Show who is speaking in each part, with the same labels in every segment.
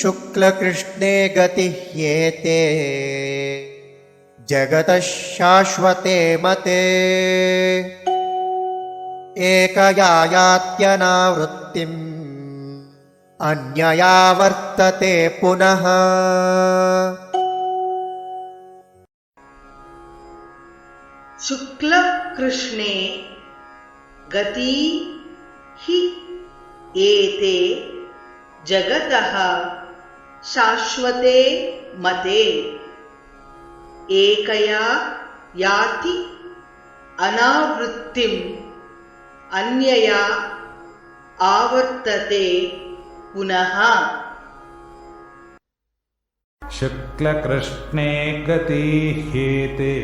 Speaker 1: शुक्लकृष्णे गतिह्येते जगतः शाश्वते मते एकया यात्यनावृत्तिम् अन्यया वर्तते पुनः।
Speaker 2: शुक्ल कृष्णे गति हि एते जगतः शाश्वते मते एकया याति अनावृत्तिम् अन्यया आवर्तते पुनः।
Speaker 3: शुक्लकृष्णे गति ह्येते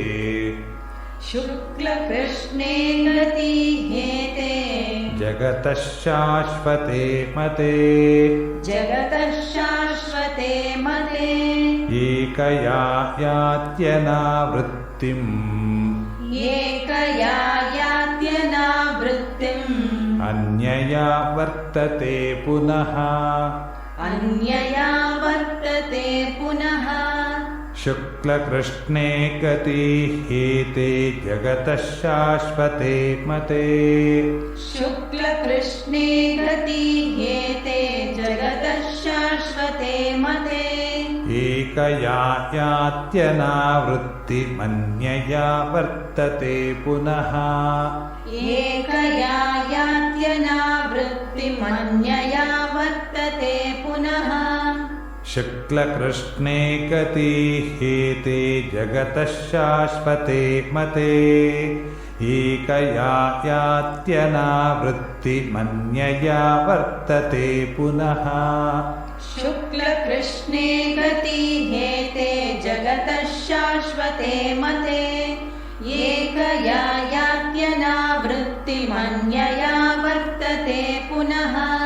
Speaker 4: शुक्लकृष्णे गति ह्येते
Speaker 3: जगतः शाश्वते मते
Speaker 4: जगतः शाश्वते मते
Speaker 3: एकया यात्यनावृत्तिम्
Speaker 4: एकया यात्यनावृत्तिम्
Speaker 3: अन्यया वर्तते पुनः।
Speaker 4: अन्यया वर्तते पुनः।
Speaker 3: शुक्लकृष्णे गति ह्येते जगतः शाश्वते मते
Speaker 4: शुक्लकृष्णे गति ह्येते जगतः शाश्वते मते
Speaker 3: एकया यात्यनावृत्तिमन्यया वर्तते पुनः।
Speaker 4: एकया यात्यनावृत्तिमन्यया वर्तते पुनः।
Speaker 3: शुक्लकृष्णे गति ह्येते जगतः शाश्वते मते एकया यात्यनावृत्तिमन्यया वर्तते पुनः।
Speaker 4: शुक्लकृष्णे गति ह्येते जगतः शाश्वते मते एकया यात्यनावृत्तिमन्यया वर्तते पुनः।